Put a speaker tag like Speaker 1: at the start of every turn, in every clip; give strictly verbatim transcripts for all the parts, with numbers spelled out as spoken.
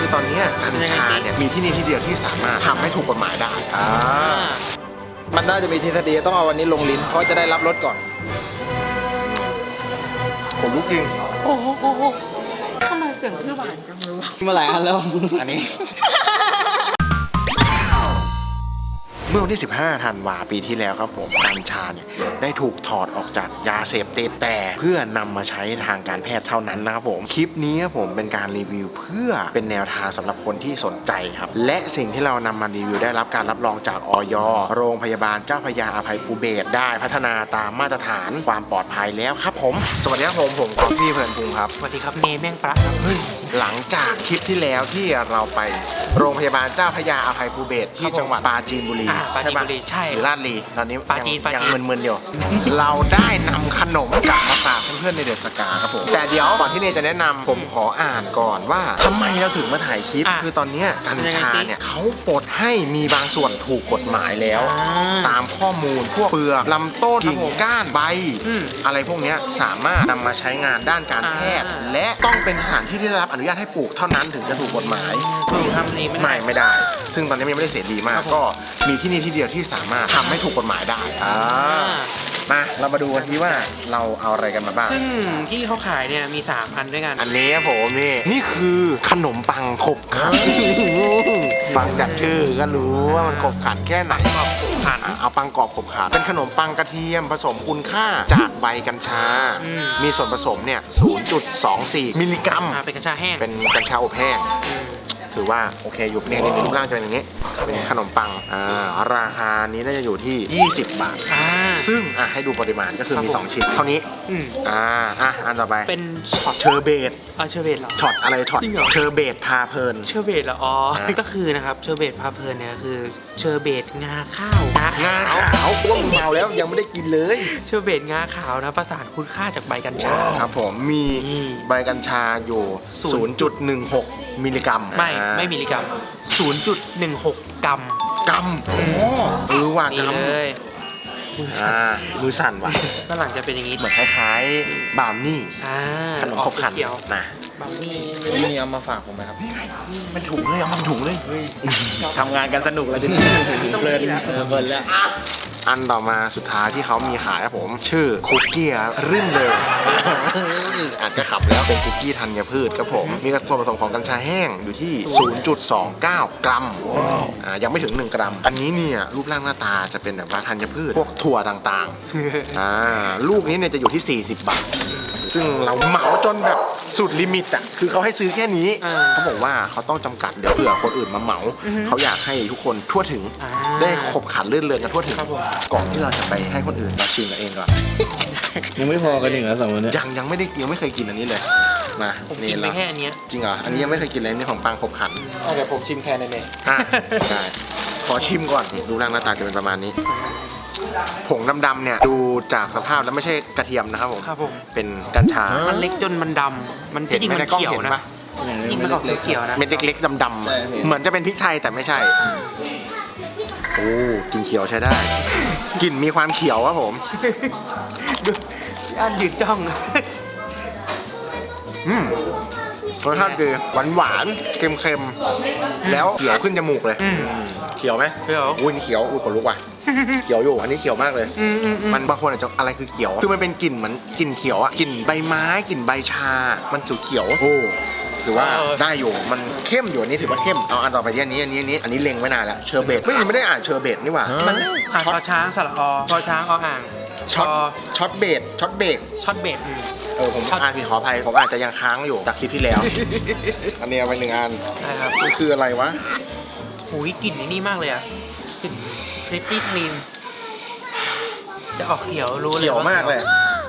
Speaker 1: ตอนนี้กัญชาเนี่ยมีที่นี่ที่เดียวที่สามารถทำให้ถูกกฎหมายได้อ่า
Speaker 2: มันน่าจะมีทฤษฎีต้องเอาวันนี้ลงลิ้นเพราะจะได้รับรสก่อน
Speaker 1: ผมรู้จริง
Speaker 3: โอ้โหทำไมเสียงพี่หวานจังเลยวะ
Speaker 2: มาหลายอันแล้ว
Speaker 1: อันนี้ เมื่อวันที่สิบห้าธันวาปีที่แล้วครับผมกัญชาเนี่ยได้ถูกถอดออกจากยาเสพติดแต่เพื่อนำมาใช้ทางการแพทย์เท่านั้นนะครับผมคลิปนี้ผมเป็นการรีวิวเพื่อเป็นแนวทางสำหรับคนที่สนใจครับและสิ่งที่เรานำมารีวิวได้รับการรับรองจากอย.โรงพยาบาลเจ้าพระยาอภัยภูเบศรได้พัฒนาตามมาตรฐานความปลอดภัยแล้วครับผมสวัสดีครับผมผมกอล์ฟพี่เพลินพุงครับ
Speaker 3: สวัสดีครับเนแม่งปลาครับ
Speaker 1: เฮ้ยหลังจากคลิปที่แล้วที่เราไปโรงพยาบาลเจ้าพระยาอภัยภูเบศรที่จังหวัดปราจีนบุรี
Speaker 3: ปราจีนบุรีใช่
Speaker 1: หรือลาดลีตอนนี้
Speaker 3: ปราจีน
Speaker 1: ยังมึนๆอยู่ เราได้นำขนมกลับมาฝากเพื่อนๆในเดอะสกาครับผมแต่เดี๋ยวก่อนที่เนยจะแนะนำผมขออ่านก่อนว่าทำไมเราถึงมาถ่ายคลิปคือตอนนี้กัญชาเนี่ยเขาปลดให้มีบางส่วนถูกกฎหมายแล้วตามข้อมูลพวกเปลือกลำต้นกิ่งก้านใบอะไรพวกนี้สามารถนำมาใช้งานด้านการแพทย์และต้องเป็นสถานที่ที่ได้รับอนุญาตให้ปลูกเท่านั้นถึงจะถูกกฎหมาย
Speaker 3: ปลูกทำนี้
Speaker 1: ไม่ไม่ได้ซึ่งตอนนี้ยังไม่ได้เสรีมากก็มีที่นี่ที่เดียวที่สามารถทำให้ถูกกฎหมายได้อ่ามาเรามาดูกันทีว่าเราเอาอะไรกันมาบ้าง
Speaker 3: ซึ่งที่เขาขายเนี่ยมีสามอันด้วยกัน
Speaker 1: อันนี้ผมนี่นี่คือขนมปังขบขันฟังจากชื่อก็รู้ว่ามันขบขันแค่ไหน
Speaker 3: ขบขัน
Speaker 1: เอาปังกรอบขบขันเป็นขนมปังกระเทียมผสมคุณค่าจากใบกัญชามีส่วนผสมเนี่ย ศูนย์จุดสองสี่ มิลลิกรัม
Speaker 3: เป็นกัญชาแห้ง
Speaker 1: เป็นกัญชาอบแห้งถือว่าโอเคอยู่เนี่ยรูปร่างจะเป็นอย่างนี้เป็นขนมปังอ่าราคานี้น่าจะอยู่ที่ยี่สิบบาทซึ่งอ่ะให้ดูปริมาณก็คือมีสองชิ้นเท่านี้อ่าอ่ะอันต่อไป
Speaker 3: เป็นช็อต
Speaker 1: เชอร์เบต
Speaker 3: อ่าเชอร์เบตเหรอ
Speaker 1: ช็อตอะไรช็อตเชอร์เบตพาเพลิน
Speaker 3: เชอร์เบตเหรออ๋อก็คือนะครับเชอร์เบตพาเพลินเนี่ยคือเชอร์เบตงาข้าว
Speaker 1: งาขาวอ้วนเมาแล้วยังไม่ได้กินเลย
Speaker 3: เชอร์เบตงาขาวนะประสานคุณค่าจากใบกัญชา
Speaker 1: ครับผมมีใบกัญชาอยู่ ศูนย์จุดหนึ่งหก มิลลิกรัม
Speaker 3: ไม่ไม่มิลลิกรัม ศูนย์จุดหนึ่งหก กรัม
Speaker 1: กรัมโอ้เออว่ะกรัม
Speaker 3: เลย
Speaker 1: อ่ามือสั่นว่ะ
Speaker 3: ด้านหลังจะเป็นอย่างนี้
Speaker 1: เหมือนคล้ายๆบราวนี่ขนมขบขันนะ
Speaker 3: บราวนี่
Speaker 2: นี่เอามาฝากผมไหมครับ
Speaker 1: มันถุงเลยเอามันถุงเลย
Speaker 2: ทำงานกันสนุกแล้วดิเพลินเพลินแล้ว
Speaker 1: อันต่อมาสุดท้ายที่เขามีขายครับผมชื่อคุกกี้รื่นเลยอาจจะขับแล้วเป็นคุกกี้ธัญพืชครับผมมีส่วนผสมของกัญชาแห้งอยู่ที่ ศูนย์จุดสองเก้า กรัมอ่ายังไม่ถึงหนึ่งกรัมอันนี้เนี่ยรูปร่างหน้าตาจะเป็นแบบว่าธัญพืชพวกถั่วต่างๆอ่าลูกนี้เนี่ยจะอยู่ที่สี่สิบบาทซึ่งเราเหมาจนแบบสุดลิมิตอ่ะคือเขาให้ซื้อแค่นี้เขาบอกว่าเขาต้องจำกัดเดี๋ยวเผื่อคนอื่นมาเหมาเขาอยากให้ทุกคนทั่วถึงได้ขบขันลื่นเริงกันทั่วถึงก่อนที่เราจะไปให้คนอื่นมาชิมกันเองก่อน
Speaker 2: ยังไม่พอกันหนึ่งแล้วสองคนนี้
Speaker 1: ยังยังไม่ได้ยังไม่เคยกินอันนี้เลยมา
Speaker 3: นี่ละแค่อันนี้
Speaker 1: จริงเหรออันนี้ยังไม่เคยกินเลยนี่ของปังขบขัน
Speaker 2: เดี๋ยวผมชิมแค่ในนี้
Speaker 1: ได้ขอชิมก่อนดูร่างหน้าตาจะเป็นประมาณนี้ผงดำๆเนี่ยดูจากสภาพแล้วไม่ใช่กระเทียมนะครับผมเป็นกัญชา
Speaker 3: มันเล็กจนมันดำมันจริงมันเขียวนะจริงมันออกเขียวนะ
Speaker 1: เม็ดเล็กๆดำๆเหมือนจะเป็นพริกไทยแต่ไม่ใช่โอ้กลิ่นเขียวใช้ได้กลิ่นมีความเขียวครับผม
Speaker 3: อันยืดจ้อง
Speaker 1: อืมรสชาติดีหวานหวานเค็มเค็มแล้วเขียวขึ้นจมูกเลยเขียวไหม
Speaker 3: เขียว
Speaker 1: อุ้ยเขียวอุ้ยขนลุกว่ะเขียวอยู่อันนี้เขียวมากเลยมันบางคนอาจจะอะไรคือเขียวคือมันเป็นกลิ่นเหมือนกลิ่นเขียวอะกลิ่นใบไม้กลิ่นใบชามันเขียวๆโอ้ถือว่าได้อยู่มันเข้มอยู่อันนี้ถือว่าเข้มเอาอันต่อไปที่อันนี้อันนี้อันนี้อันนี้เล็งไว้นานแล้วเชอร์เบตไม่ไม่ได้อ่านเชอร์เบตนี่หว่า
Speaker 3: มันช็อตช้างสระอพอช้างออ่าง
Speaker 1: ช็อตช็อตเบตช็อตเบรก
Speaker 3: ช็อตเบรก
Speaker 1: เออผมอ่านผิดขออภัยผมอาจจะยังค้างอยู่จากคลิปที่แล้วอันนี้เอาไปหนึ่งอันมันคืออะไรวะ
Speaker 3: โอ้ยกลิ่นนี่มากเลยอ่ะกลิ่นเพรสตี้ครีมจะออกเขียวรู้เลย
Speaker 1: เขียวมากเลย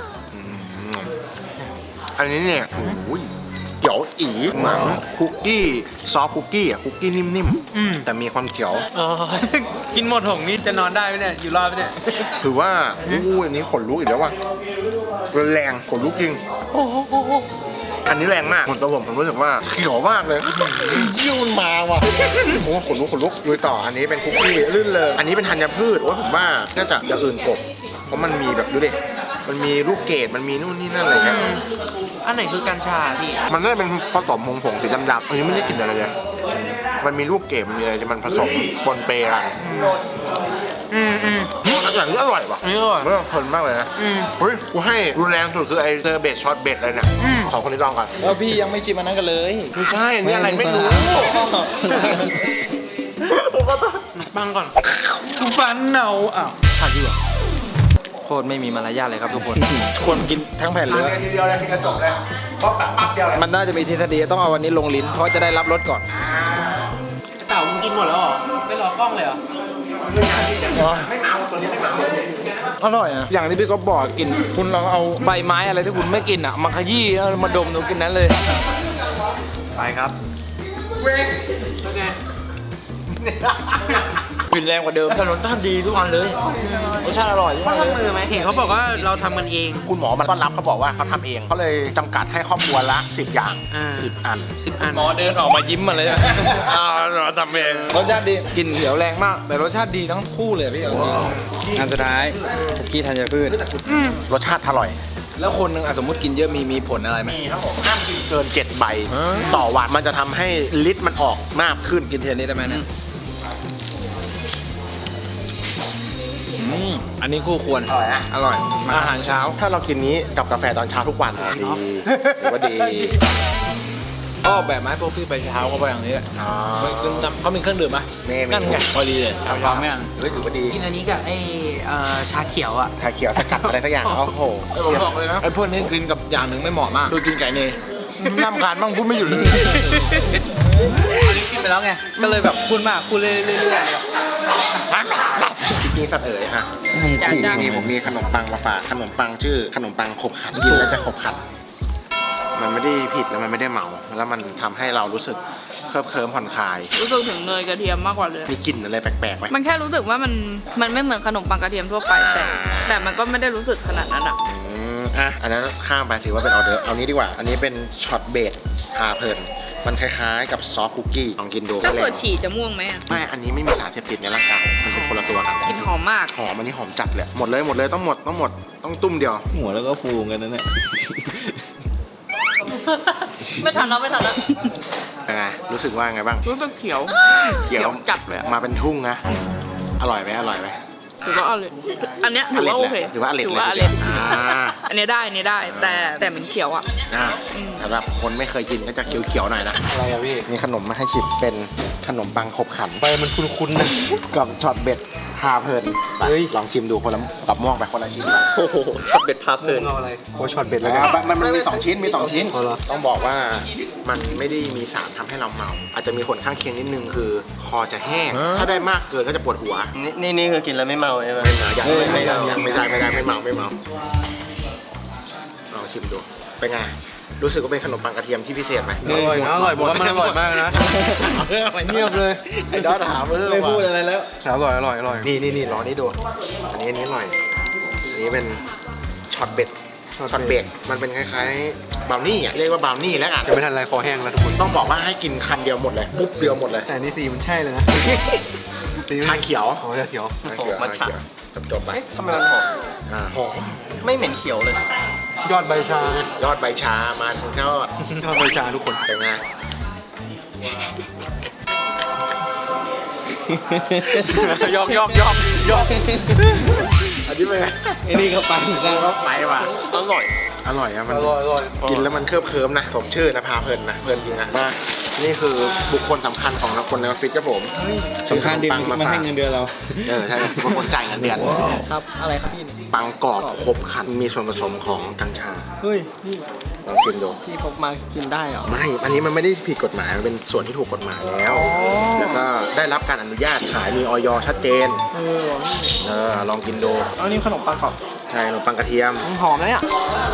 Speaker 1: อันนี้เนี่ยโอ้ยเขียวอีเหมือนคุกกี้ซอฟคุกกี้อ่ะคุกกี้นิ่มๆแต่มีความเขียว
Speaker 3: เออกินหมดถุงนี่จะนอนได้ไหมเนี่ยอยู่รอดไหมเนี่ย
Speaker 1: ถือว่าอู้อันนี้ขนลุกอีกแล้วว่ะแรงขนลุกจริงอันนี้แรงมากตัวผมผมรู้สึกว่าเขียวมากเลยยิ่งมาว่ะโอ้ขนลุกขนลุกดูต่ออันนี้เป็นคุกกี้ลื่นเลยอันนี้เป็นธัญพืชว่าผมว่าน่าจะอย่างอื่นกบเพราะมันมีแบบดูดิมันมีลูกเกดมันมีนู่นนี่นั่นอะไรเงี้ย
Speaker 3: อันไหนคือกัญชาพี่
Speaker 1: มันน่าจะเป็นผสมผงผงสีดำๆอันนี้ไม่ได้กลิ่นอะไรเลย มันมีลูกเกดมันมีอะไรที่มันผสมปนเปกัน
Speaker 3: อืมอืม
Speaker 1: อืมอร่อยอร่อยว่ะ
Speaker 3: อันนี้อร่อย
Speaker 1: เออเพลินมากเลยนะ
Speaker 3: อืม
Speaker 1: เฮ้ยกูให้รุนแรงสุดคือไอเซอร์เบสช็อตเบสอะไรเนี่ย
Speaker 3: อืม
Speaker 1: สองคนนี้ลองก่อน
Speaker 2: แล้วพี่ยังไม่ชิมอันนั้นกันเลย
Speaker 1: ไม่ใช่อันนี่อะไรไม่รู้
Speaker 3: ปังก่อน
Speaker 2: ฟันเนาอ้าวขาดอยู่เหรอโคตรไม่มีมารยาทเลยครับทุกคน ควรกินทั้งแผ่นเลย
Speaker 1: ทีเดียวเลยทีกระจกเลยก็แบบปั๊บเดียวเลย
Speaker 2: มันน่าจะมีทฤษฎีต้องเอาวันนี้ลงลิ้น เพราะจะได้รับรสก่อน
Speaker 3: เต่ามึงกินหมดแล้วเหรอไม่รอกล้องเลยเหรอ
Speaker 1: ไม่เมาตัวนี้ไม่เมา
Speaker 2: อร่อยนะอย่างที่พี่ก็บอกกิน คุณลองเอาใบไม้อะไรที่คุณไม่กินอ่ะ มาขยี้แล้วมาดมดูกินนั้นเลย
Speaker 1: ไปครับ
Speaker 3: โอเค
Speaker 2: กลิ่นแรงกว่าเดิมแต่รสชาติดีทุกวันเลยรสชาติอร่อย
Speaker 3: เขาทำมือไหมเห็นเขาบอกว่าเราทำกันเอง
Speaker 1: คุณหมอมันต้อนรับเขาบอกว่าเขาทำเองเขาเลยจำกัดให้ครอบครัวละสิบอย่าง
Speaker 3: อ่า
Speaker 1: สิบอัน
Speaker 3: สิบอัน
Speaker 2: หมอเดินออกมายิ้มมาเลยอ่าเราทำเองรสชาติดีกลิ่นเขียวแรงมาก แต่รสชาติดีทั้งคู่เลยพี่อันสุดท้ายคุกกี้ธัญพืช
Speaker 1: รสชาติอร่อย
Speaker 2: แล้วคนหนึ่งอ่ะสมมติกินเยอะมีมีผลอะไรไหม
Speaker 1: มีครับผมห้ามกินเกินเจ็ดใบต่อวันมันจะทำให้ลิตรมันออกมากขึ้น
Speaker 2: กินเทียนนี้ได้ไหมเนี่ยอืมอันนี้คู่ควร
Speaker 1: อร่อยนะ
Speaker 2: อร่อย อาหารเช้า
Speaker 1: ถ้าเรากินนี้กับกาแฟตอนเช้าทุกวันดีถือว่าดี
Speaker 2: ก็แบบไม้พวกพี่ไปเช้าก็ไปอย่างนี้แหละ
Speaker 1: อ๋อ
Speaker 2: ซึ่งจำเขามีเครื่องดื่มไหม
Speaker 1: มีมี
Speaker 2: นั่นไงพอดีเลยเอาลองไหมอ่ะ
Speaker 1: เฮ้ยถือว่าดี
Speaker 3: กินอันนี้กับไอ้เอ่อชาเขียวอ่ะ
Speaker 1: ชาเขียวสกัดอะไรสักอย่างโอ้โห
Speaker 2: ไอ้ผมบอกเลยนะไอ้พวกนี้กินกับอย่างหนึ่งไม่เหมาะมากคือกินไก่เนยน้ำคานบ้างพูดไม่หยุดเลย
Speaker 3: อันนี้กินไปแล้วไง ก็เลยแบบพูดมากพูดเรื่อยๆ
Speaker 1: จริงๆสัตว์เอ๋ยค่ะ
Speaker 3: จ้ะจ้ะ
Speaker 1: มีผมมีขนมปังมาฝากขนมปังชื่อขนมปังขบขันกินแล้วจะขบขัน มันไม่ได้ผิดแล้วมันไม่ได้เมา แล้วมันทำให้เรารู้สึกเคลิบเคลิ้มผ่อนคลาย
Speaker 4: รู้สึกถึงเนยกระเทียมมากกว่าเลย
Speaker 1: มีกลิ่นอะไรแปลกๆไหม
Speaker 4: มันแค่รู้สึกว่ามันมันไม่เหมือนขนมปังกระเทียมทั่วไปแต่ แต่มันก็ไม่ได้รู้สึกขนาดนั้นอ่ะ
Speaker 1: อืมอ่ะอันนั้นข้ามไปถือว่าเป็นออเดอร์เอานี้ดีกว่า อันนี้เป็นช็อตเบดพาเพลินมันคล้ายๆกับซอฟต์คุกกี้ลองกินดู
Speaker 4: ถ้าเกิดฉี่จะม่วงไหมอ่ะ
Speaker 1: ไม่ อันนี้ไม่มีสารเสพติดในร่างกายมันเป็นคนละตัวกัน
Speaker 4: กลินหอมมาก
Speaker 1: หอมอันนี้หอมจัดเลยหมดเลยหมดเลยต้องหมดต้องหมดต้องตุ้มเดียว
Speaker 5: หัวแล้วก็ฟูกันนั่นแหละ
Speaker 4: ไม่ทันแล้วไม่ทันแล้ว
Speaker 1: เป็นไงรู้สึกว่าไงบ้าง
Speaker 4: รู้สึกเขียว
Speaker 1: เขียว
Speaker 4: จัดเลยอะ
Speaker 1: มาเป็นทุ่งนะอร่อยไหมอร่อยไหม
Speaker 4: ถือว่าอร่อยอันเนี้ยถือว่าโอเค
Speaker 1: ถือว่าอร่อย
Speaker 4: ถือว่าอ
Speaker 1: เล
Speaker 4: ร่อย ย
Speaker 1: อ่า
Speaker 4: อันเนี้ยได้อันเนี้ยได้ แต่แต่มันเขียวอ่ะ
Speaker 1: อ่า
Speaker 4: อืม
Speaker 1: สำหรับคนไม่เคยกินก็จะเขียวๆหน่อยนะ
Speaker 5: อะไรอะพี่
Speaker 1: มีขนมมาให้ชิมเป็นขนมปังขบขัน
Speaker 5: ไปมันคุ้นๆนะ
Speaker 1: กับช็อตเบ็ดพาเพลินไป
Speaker 5: เฮ้ย
Speaker 1: ลองชิมดูคนละกับม่วงไปคนละชิ้น
Speaker 5: โอ้โหช็อตเบ็ดพาเพลินเอาอะไรโอ้ช็อตเบ็ดแล้วกัน
Speaker 1: มันมันมีสองชิ้นมีสองชิ้น
Speaker 5: เอาเหรอ
Speaker 1: ต้องบอกว่ามันไม่ได้มีสารทำให้เราเมา อาจจะมีผลข้างเคียงนิดนึงคือคอจะแห้ง ถ้าได้มากเกินก็จะปวดหัว
Speaker 5: นี่นี่คือกินแล้วไม่เมาใช่ไหม
Speaker 1: ไม่เมายัง
Speaker 5: เฮ้ย
Speaker 1: ไม่
Speaker 5: ไม่
Speaker 1: ได้
Speaker 5: เมา
Speaker 1: ยังไม่ได้ไม่ได้ไม่เมาไม่เมาลองชิมดูเป็นไงรู้สึกว่าเป็นขนมปังกระเทียมที่พิเศษไหม
Speaker 5: อร่อยนะอร่อยผมว่ามันอร่อยมากนะ เงียบเลย
Speaker 1: ไอ้ดอทถามเออ
Speaker 5: ไม่พูดอะไรแล้วอร่อยอร่อยอร่อย
Speaker 1: นี่นี่นี่ลองนี่ดู อันนี้อันนี้หน่อย อันนี้เป็นช็อตเบ็ดช็อตเบ็ดมันเป็นคล้ายๆบราวนี่อ่ะเรียกว่าบราวนี่แล้วอ่ะ
Speaker 5: จะไม่ทันไรคอแห้งแล้วทุกคน
Speaker 1: ต้องบอกว่าให้กินคันเดียวหมดเลยปุ๊บเดียวหมดเลย
Speaker 5: แต่นี่สีมันใช่เลยนะ
Speaker 1: ชาเขียว
Speaker 5: โอ้ชาเขียว
Speaker 1: ชาเขียวชาเขียวจบจบๆไป
Speaker 5: ทำไมมันหอม
Speaker 1: อ่าหอม
Speaker 5: ไม่เหม็นเขียวเลย ยอดใบชาย
Speaker 1: อดใบชามันยอด
Speaker 5: ยอดใบชาทุกคน
Speaker 1: เป็นไง
Speaker 5: ยอกยอกยอกยอก
Speaker 1: อันนี้เป็นไง
Speaker 5: ไอ้นี่ก็ไปเหมือนกัน
Speaker 1: ก็ไปว่ะ
Speaker 5: อร่อย
Speaker 1: อร่อยอะมัน
Speaker 5: อร่อยอร่อย
Speaker 1: กินแล้วมันเคลิบเคลิ้มนะสมชื่อนะพาเพลินนะเพลินจริงนะมานี่คือบุคคลสำคัญของคนในออฟฟิศครับผม
Speaker 5: สำคัญดี
Speaker 1: ปัง
Speaker 5: มันให้เงินเดือนเรา
Speaker 1: เออใช่เป็นคนจ่ายเงินเดือน
Speaker 2: ครับอะไรครับพี่
Speaker 1: ปังกรอบครบครันมีส่วนผสมของกัญชา
Speaker 2: เฮ้ยพี่
Speaker 1: ลองชิมดู
Speaker 2: พี่พกมากินได้เหรอ
Speaker 1: ไม่ อันนี้มันไม่ได้ผิดกฎหมาย มันเป็นส่วนที่ถูกกฎหมายแล้ว แล้วก็ได้รับการอนุญาตขายมีออยชัดเจน
Speaker 2: เออ
Speaker 1: เออ ลองกินดู
Speaker 2: เอานี่ขนมปังกรอบ
Speaker 1: ใช่ขนมปังกระเทียม
Speaker 2: หอมนะเนี่ย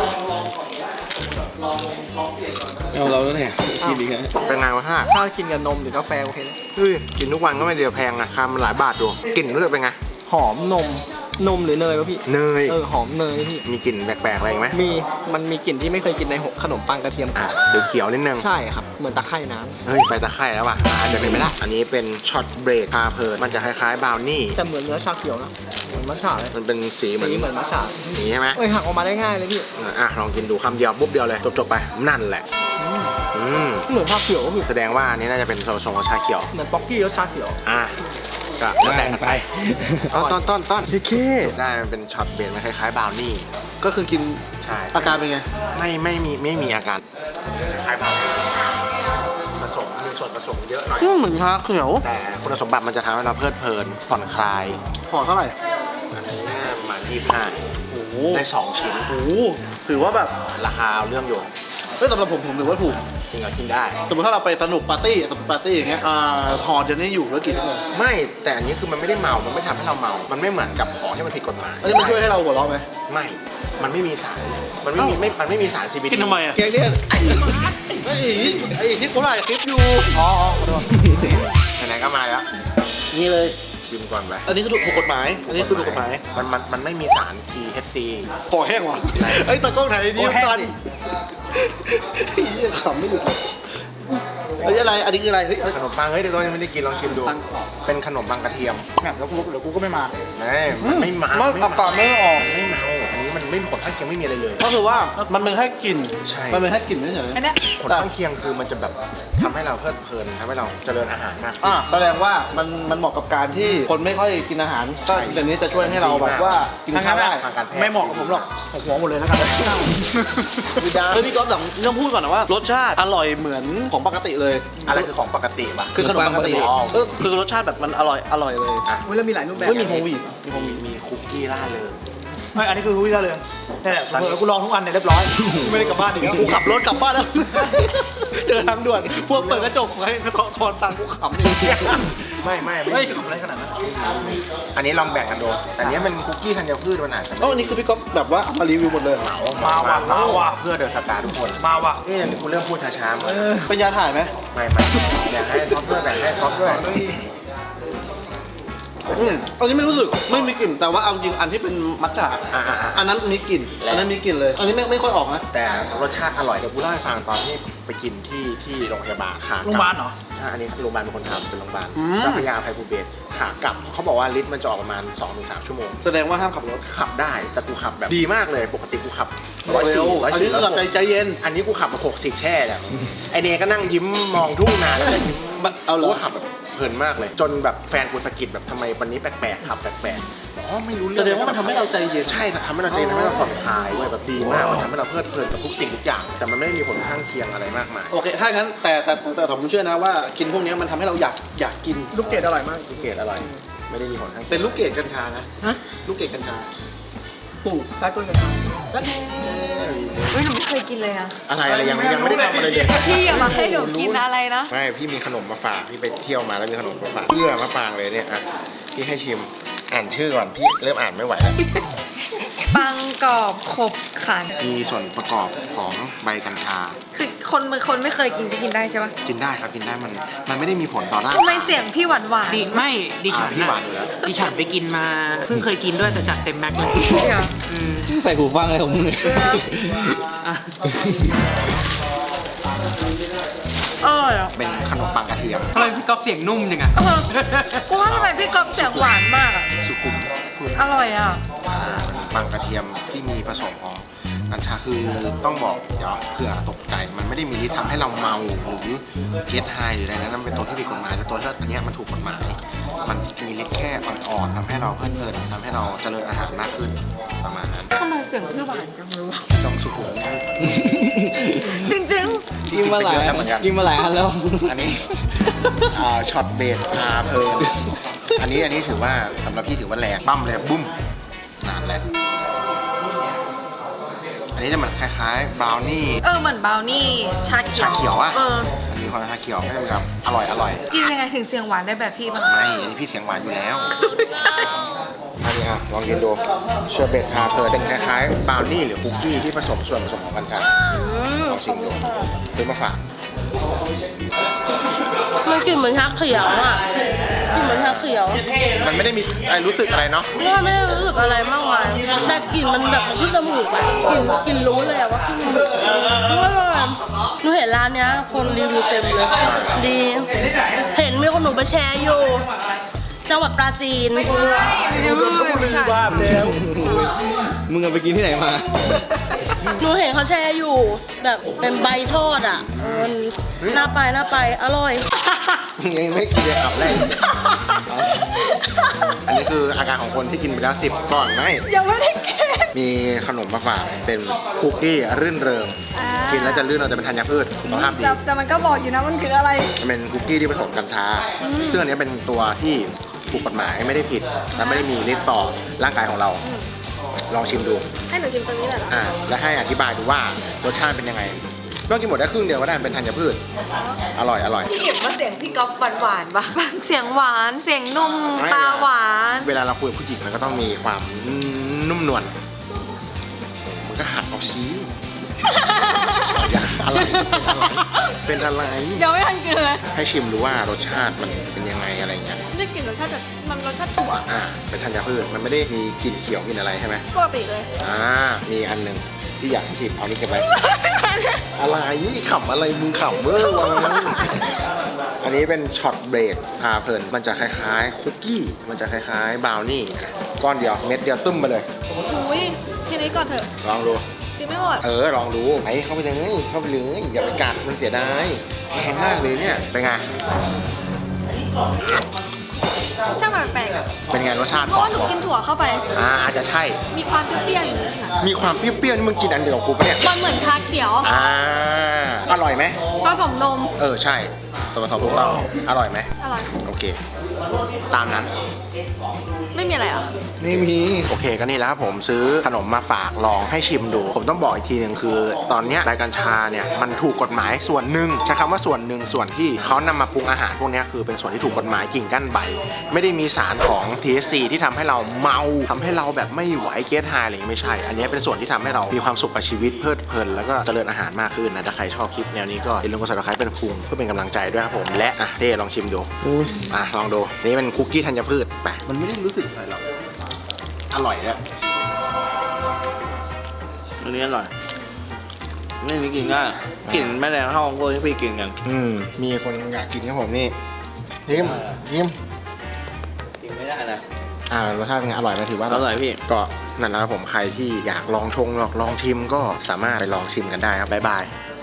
Speaker 5: เอาเราแล้วเนี่ยกินอีกแล้ว
Speaker 1: เป็นไงวะฮะ
Speaker 2: ถ้ากินกับนมหรือกาแฟโอเคเลย
Speaker 1: เฮ้ย กินทุกวันก็ไม่เดียวแพงนะคามันหลายบาทดูกลิ่นรู้สึกเป็นไง
Speaker 2: หอมนมนมหรือเนยวะพี่
Speaker 1: เนย
Speaker 2: เออหอมเนยพี่
Speaker 1: มีกลิ่นแปลกๆอะไรอีกไหม
Speaker 2: มีมันมีกลิ่นที่ไม่เคยกินในขนมปังกระเทียมกร
Speaker 1: อ่ะ
Speaker 2: อบ
Speaker 1: เขียวๆนิดนึง
Speaker 2: ใช่ครับเหมือนตะไคร่น้
Speaker 1: เฮ้ย ไปตะไคร่แล้วว่ะอาจจะเป็นไม่ได้ อันนี้เป็นช็อตเบรกพาเพลินมันจะคล้ายๆบราวนี่
Speaker 2: ำแต่เหมือนเนื้อชาเขียวนะ
Speaker 5: มัทฉะเลย
Speaker 1: มันเป็นสีเหมือน
Speaker 5: สีเหมือนมัทฉะ
Speaker 1: อย่างนี้ใช่ไหม
Speaker 5: เอ้ยหักออกมาได้ง่ายเลยพี่
Speaker 1: อ่ะลองกินดูคำเดียวปุ๊บเดียวเลยจบๆไปนั่นแหละอืม
Speaker 5: เหมือนชาเขียวคือ
Speaker 1: แสดงว่าอันนี้น่าจะเป็นส่วนผสมของชาเขียว
Speaker 5: เหมือนป๊อกกี้รสชาเขียว
Speaker 1: อ่ะก็แล้วแต่กันไปต้นต้นต้นต้น
Speaker 5: พี่เค
Speaker 1: ได้มันเป็นช็อตเบนมันคล้ายๆบราวนี่
Speaker 5: ก็คือกิน
Speaker 1: ใช่
Speaker 5: อาการเป็นไง
Speaker 1: ไม่ไม่มีไม่มีอาการคล้ายๆบราวนี่ผสมมีส่วนผสมเยอะหน่อย
Speaker 5: เหมือนชาเขียว
Speaker 1: แต่คุณสมบัติมันจะทำให้เราเพลิดเพลินผ่อนคลาย
Speaker 5: พอเท่าไหร่
Speaker 1: อันนี้ประมาณยี่สิบห้า
Speaker 5: โอ้โห
Speaker 1: ได้สองชิ้น
Speaker 5: โอ้โหถือว่าแบบ
Speaker 1: ราคาเอาเรื่องอยู่
Speaker 5: เฮ้ยสำหรับผมผมถือว่าถูก
Speaker 1: จริงเหรอกินได้
Speaker 5: สมมติถ้าเราไปสนุกปาร์ตี้สนุกปาร์ตี้อย่างเงี้ยอ่าหอเดี๋ยวนี้อยู่แล้วกี่ชั่วโมง
Speaker 1: ไม่แต่อันนี้คือมันไม่ได้เมา มันไม่ทำให้เราเมา มันไม่เหมือนกับของที่มันผิดกฎหมาย
Speaker 5: อันนี้มันช่วยให้เราหัวเราะไหม
Speaker 1: ไม่ มันไม่มีสาร มันไม่มีไม่มันไม่มีสาร ซี บี ดี
Speaker 5: กินทำไมอ่ะแกงเนี่ยไอ้ไอ้ไอ้ที่เขาถ่ายคลิปอยู่อ๋อขอโทษ
Speaker 1: ไหนๆก็มาแล้ว
Speaker 5: นี่เลย
Speaker 1: ชิมก่อนไป
Speaker 5: อันนี้คือถูกกฎหมาย อันนี้คือถูกกฎหมาย
Speaker 1: มันมันมันไม่มีสาร ที เอช ซี
Speaker 5: คอแห้งว่ะเอ้ยตากล้องถ่ายดีสันขำไม่หลุดเลยเฮ้ยอะไร อันนี้คืออะไร เฮ้ย
Speaker 1: ขนมปังเฮ้ยเดี๋ยวเรายังไม่ได้กินลองชิมดู
Speaker 5: ปังกรอบ
Speaker 1: เป็นขนมปังกระเทียม
Speaker 5: แล้วกูเดี๋ยวกูก็ไม่มา
Speaker 1: ไม่มันไม่เมา
Speaker 5: มันอับปากไม่ออก
Speaker 1: ไม่เมา อันนี้มันไม่มีผลข้างเคียงไม่มีอะไรเลย
Speaker 5: ก็คือว่ามันเป็นแค่กลิ่น
Speaker 1: ใช่
Speaker 5: มันเป็นแค่กลิ่นเฉย
Speaker 1: ผลข้างเคียงคือมันจะแบบทำให้เราเพลิดเพลินทำให้เราเจริญอาหารมาก
Speaker 5: อ่ะแสดงว่ามันมันเหมาะกับการที่คนไม่ค่อยกินอาหาร
Speaker 1: ใช่
Speaker 5: ก็แบบนี้จะช่วยให้เราแบบว่ากินข้าวได้
Speaker 1: ทางการแพทย์
Speaker 5: ไม่เหมาะกับผมหรอกผมหัวหมดเลยแล้วกันเฮ้ยพี่ก๊อฟแต่ต้องพูดก่อนนะว่ารสชาติอร่อยเหมือนของปกติเลย
Speaker 1: อะไรคือของปกติวะ
Speaker 5: คือขนมปกติ
Speaker 1: อ๋อ
Speaker 5: เออคือรสชาติแบบมันอร่อยอร่อยเลย
Speaker 1: อ่ะ
Speaker 6: เฮ้ยแล้วมีหลายรูปแบบ
Speaker 5: ไม่มีโฮมวีด
Speaker 1: มีมีมีคุกกี้ล่าเลย
Speaker 6: ไม่อันนี้คือวิลาเลยนี่แหละแล้วกูลองทุกอันเนี่ยเรียบร้อย ไม่ได้กลับบ้านอีกแล้ว
Speaker 5: กูขับรถกลับบ้านแล้ว เจอทางด่วนพวกเปิดกระจกให้เขาทอนตังค์กูขำเลย
Speaker 1: ไม่ไม่
Speaker 6: เฮ้
Speaker 1: ไม่
Speaker 6: ยอะไรขนาดนั้น
Speaker 1: อันนี้ลองแบ่งกันดูแต่อันนี้เป็นคุกกี้ธัญพืชมันอาจจะ
Speaker 5: เอ้าอันนี้คือพี่ก๊อฟแบบว่าเอามารีวิวหมดเลย
Speaker 1: เหมา
Speaker 6: มาว่ะมาว่ะ
Speaker 1: เพื่อเดินสตาร์ทุกคน
Speaker 6: มาว่ะ
Speaker 1: เอ๊ะคุณเริ่มพูดช้าๆมา
Speaker 5: เป็นยาถ่ายไหม
Speaker 1: ไม่ไม่แบ่งให้ท็อปด้วยแบ่งให้ท็อปด้วย
Speaker 5: อืมอันนี้ไม่รู้สึกไม่มีกลิ่นแต่ว่าเอาจริงอันที่เป็นมัทฉะ
Speaker 1: อ่าอ่าอ่า
Speaker 5: อันนั้นมีกลิ่นอันนั้นมีกลิ่นเลย อันนี้ไม่ไม่ค่อยออกนะ
Speaker 1: แต่รสชาติอร่อยเดี๋ยวกูเล่าให้ฟังตอนที่ไปกินที่ที่โรงพยาบาลขาก
Speaker 6: โรงพยาบาลเหรอ
Speaker 1: ใช่อันนี้โรงพยาบาลเป็นคนทำเป็นโรงพยาบาลเจ้าพระยาอภัยภูเบศรขากลับเขาบอกว่าลิตรมันจะออกประมาณ สองถึงสาม ชั่วโมง
Speaker 5: แสดงว่าห้ามขับรถ
Speaker 1: ขับได้แต่กูขับแบบดีมากเลยปกติกูขับร้อย
Speaker 5: เร็
Speaker 1: สี่
Speaker 5: ว
Speaker 1: ร้อย
Speaker 5: อัน
Speaker 1: สี่
Speaker 5: นี้คือแบบใจใจเย็น
Speaker 1: อันนี้กูขับมาหกสิบแช่เนี่ยไอเนก็นั่งยิ้มมองทุ่งนาแล้วก็ยิ้ม
Speaker 5: เอาเหรอ
Speaker 1: กูก็ขับแบบเพลินมากเลย จนแบบแฟนกูสะกิดแบบทำไมวันนี้แปลกๆขับแปลกๆอ๋อไม่รู้เรื่
Speaker 5: แส
Speaker 1: อง
Speaker 5: ดงว่ามันทำให้เราใจเย็น
Speaker 1: ใช่ทำให้เราใจเย็นทำให้เราผ่อนคลายเว้ยแบบดีมากมันทำให้เราเพลิดเพลินกับทุกสิ่งทุกอย่าง แต่มันไม่ได้มีผลข้างเคียงอะไรมากมาย
Speaker 5: โอเค ถ้างั้นแต่แต่แต่แต่ผมเชื่อนะว่ากินพวกนี้มันทำให้เราอยากอยากกิน
Speaker 6: ลูกเกดอร่อยมาก
Speaker 1: ลูกเกดอร่อยไม่ได้มีผลข้างเคียง
Speaker 5: เป็นลูกเกดกัญชานะ
Speaker 6: ฮะ
Speaker 5: ลูกเกดกัญชา
Speaker 6: ปลูกใต้ต้นกระถาง
Speaker 5: ก็แน่
Speaker 7: เฮ้ยหนูไม่เคยกินเลยอะ
Speaker 1: อะไรอะไรยังยังไม่ได้ทำอะไรเลย
Speaker 7: พี่อย่ามาให้หนูกินอะไรนะ
Speaker 1: ไม่พี่มีขนมมาฝากพี่ไปเที่ยวมาแล้วมีขนมมาฝากเพื่อมะปรางเลยเนี่ยอ่ะพี่ให้ชิมอ่านชื่อก่อนพี่เริ่มอ่านไม่ไหวแล้ว
Speaker 7: ปังกรอบขบขัน
Speaker 1: มีส่วนประกอบของใบกัญชา
Speaker 7: คือคนคนไม่เคยกินก็กินได้ใช่ปะ
Speaker 1: กินได้ครับกินได้มันมันไม่ได้มีผลต่อร่าง
Speaker 7: ทำไมเสียงพี่หวานหวาน
Speaker 3: ดิไม่ดิฉัน
Speaker 1: อ่าพี่หวานอยู่แล้ว
Speaker 3: ดิฉันไปกินมา เพิ่งเคยกินด้วยแต่จัดเต็มแม็กเลย
Speaker 7: เดี๋ยว
Speaker 3: อืม
Speaker 5: ใส่หูฟังอะไรของมึงเนี่ย
Speaker 3: อ่ะ
Speaker 7: อร่อยอ่ะ
Speaker 1: เป็นขนมปังกระเทียม
Speaker 3: ทำไมพี่ก๊อฟเสียงนุ่มจังอะ
Speaker 7: เออกูว่าทำไมพี่กอบเสียงหวานมากอ่ะ
Speaker 1: สุขุม
Speaker 7: อร่อยอ่ะ
Speaker 1: อ่าขนมปังกระเทียมที่มีผสมของกัญชาคือต้องบอกเดี๋ยวเผื่อตกใจมันไม่ได้มีฤทธิ์ทำให้เราเมาหรือเก็ตไฮหรืออะไรนะนั่นเป็นตัวที่ผิดกฎหมายแต่ตัวที่อันเนี้ยมันถูกกฎหมายมันมีฤทธิ์แค่อ่อนๆทำให้เราเพลิดเพลินทำให้เราเจริญอาหารมากขึ้นประมาณนั้น
Speaker 7: ทำไมเสียงพี่หวานจังเลยวะ
Speaker 1: ต้องสุขุม
Speaker 7: จริง
Speaker 5: กินมาหลาย
Speaker 1: เหมือนกัน
Speaker 5: กินมาหลายอันแล้ว
Speaker 1: อันนี้อ่าช็อตเบสพาเพลินอันนี้อันนี้ถือว่าสำหรับพี่ถือว่าแรงปั้มเลยบุ้มนานแล้วอันนี้จะเหมือนคล้ายๆบราวนี่
Speaker 7: ๆ เออเหมือนบราวนี่ชาเขียว
Speaker 1: ชาเขียวอะ
Speaker 7: เออ
Speaker 1: มันมีความชาเขียวไม่ใช่แบบอร่อยอร่อย
Speaker 7: กินยังไงถึงเสียงหวานได้แบบพี่บ้าง
Speaker 1: ไม่อันนี้พี่เสียงหวานอยู่แล้ว
Speaker 7: ใช่
Speaker 1: อันนี้อ่ะลองกินดูเชอร์เบตพาเพลินเป็นคล้ายๆบราวนี่หรือคุกกี้ที่ผสมส่วนผสมของกัญชาลองชิมดูซื้อมาฝาก
Speaker 8: มันกลิ่นเหมือนชาเขียวอ่ะกลิ่นเหมือนชาเขียว
Speaker 1: มันไม่ได้มีอะไรรู้สึกอะไรเนาะ
Speaker 8: ว่าไม่ได้รู้สึกอะไรมากมายแต่กลิ่นมันแบบขึ้นจมูกอะกลิ่นกลิ่นรู้เลยอะว่าขึ้นจมูกเพราะว่าหนูเห็นร้านเนี้ยคนรีวิวเต็มเลย ดี เห็นมีคนหนูไปแชร์อยู่จังหวัดปราจีน
Speaker 6: บ้าไปแล้ว
Speaker 2: มึงเอาไปกินที่ไหนมา
Speaker 8: หนูเห็นเขาแชร์อยู่ แบบเป็นใบทอดอ่ะเออน่าไปน่าไปอร่อย
Speaker 1: ยังไม่กินเลยขับแรกอันนี้คืออาการของคนที่กินไปแล้วสิบก่อนไหม
Speaker 7: ยังไม่ได้กิน
Speaker 1: มีขนมมาฝากเป็นคุกกี้รื่นเริง กินแล้วจะลื่นเราจะเป็นธัญพืชสุขภาพดี
Speaker 7: แต่แต่มันก็บอกอยู่นะมันคืออะไร
Speaker 1: มันเป็นคุกกี้ที่ผสมกัญชา ซึ่งอันนี้เป็นตัวที่ถูกกฎหมายไม่ได้ผิด และไม่ได้มีฤทธิ์ต่อร่างกายของเรา ลองชิมดู
Speaker 7: ให้หนูชิมตรงนี้เลยเหรอ
Speaker 1: อ่า และให้อธิบายดูว่ารสชาติเป็นยังไงต้องกินหมดได้ครึ่งเดียวก็ได้เป็นธัญพืช อร่อยอร่อย
Speaker 7: เก็บว่าเสียงพี่ก๊อฟหวานๆปะเสียงหวานเสียงนุ่ม
Speaker 1: ไม่
Speaker 7: ตาหวาน
Speaker 1: เวลาเราคุยกับผู้หญิงมันก็ต้องมีความนุ่มนวลมันก็หัดเอาชี้ อย่าอะไรเป็นอะไร
Speaker 7: ยังไม่ทันกินเลย
Speaker 1: ให้ชิมดูว่ารสชาติมันเป็นยังไงอะไรเงี้ย
Speaker 7: ได้กลิ่นรสชาติแบบมันรสชาติถั่ว
Speaker 1: อ่า เป็นธัญพืช มันไม่ได้มีกลิ่นเขียวกลิ่นอะไรใช่ไหม
Speaker 7: ปกติเลย
Speaker 1: อ่า มีอันหนึ่งที่อยากชิมเอานี่เก็บไว้ อะไรขำอะไรมึงขำเวอร์วังอันนี้เป็นช็อตเบรกพาเพลิน มันจะคล้ายๆคุกกี้ มันจะคล้ายๆบราวนี่ ก้อนเดียวเม็ดเดียวตึ้มไปเลย
Speaker 7: อุ้ยทีนี้ก่อนเถอะ
Speaker 1: ลองดู
Speaker 7: กินไม่หมด
Speaker 1: เออ ลองดูไปเข้าไปเลย เข้าไปเลย อย่าไปกัดมันเสียดายแพงมากเลยเนี่ย เป็นไง
Speaker 7: ช่างมันแปลกๆอะ
Speaker 1: เป็นไงรสชาติ
Speaker 7: เพราะว่าหนูกินถั่วเข้าไป
Speaker 1: อ่าอาจจะใช่
Speaker 7: มีความเปรี้ยวๆอยู่นิดหน่อย
Speaker 1: มีความเปรี้ยวๆนี่มึงกินอันเดียวกับกูปะเนี่ย
Speaker 7: มันเหมือนชาเขียว
Speaker 1: อ่า อร่อยไหม
Speaker 7: ผสมนม
Speaker 1: เออ ใช่ตัวผสมถูกต้องอร่อยไหม
Speaker 7: อร่อย
Speaker 1: โอเค ตามนั้น
Speaker 7: ไม่มีอะไรอ่ะ
Speaker 1: ไม่มี โอเคก็นี่แหล้วครับผมซื้อขนมมาฝากลองให้ชิมดู ผมต้องบอกอีกทีหนึ่งคือ ตอนเนี้ยรายกัญชาเนี่ยมันถูกกฎหมายส่วนหนึ่งใช้คำว่าส่วนหนึ่งส่วนที่เขานำมาปรุงอาหารพวกเนี้ยคือเป็นส่วนที่ถูกกฎหมายกิ่งก้านใบ ไม่ได้มีสารของ ที เอช ซี ที่ทำให้เราเมาทำให้เราแบบไม่ไหวเกสไฮอะไรอย่างเงี้ยไม่ใช่ อันเนี้ยเป็นส่วนที่ทำให้เรามีความสุขกับชีวิตเพลิดเพลินแล้วก็เจริญอาหารมากขึ้นนะถ้าใครชอบคลิปแนวนี้ก็อย่าลืมกด ซับสไครบ์ เป็นพุงเพื่อเป็นกำลังใจด้วยครับผมและอ่ะเต้ลองชิมดูอ่ะลองดูนี่เป็นคุกกี้ธัญพืชไป
Speaker 5: มันไม่ได้รู้สึกอะไรหรอก
Speaker 1: อร่อยเลย
Speaker 5: อันนี้อร่อยนี่นี่กินง่ายกลิ่นแม่แรงเท่าของพวกที่พี่กินกัน
Speaker 1: อืม มีคนอยากกินครับผมนี่ชิมชิม
Speaker 5: กินไม่ได้นะ
Speaker 1: อ่ารสชาติเป็นไงอร่อยไหมถือว่า
Speaker 5: อร่อยพี่
Speaker 1: ก็นั่นแหละครับผมใครที่อยากลองชงลองลองชิมก็สามารถไปลองชิมกันได้ครับบ๊ายบาย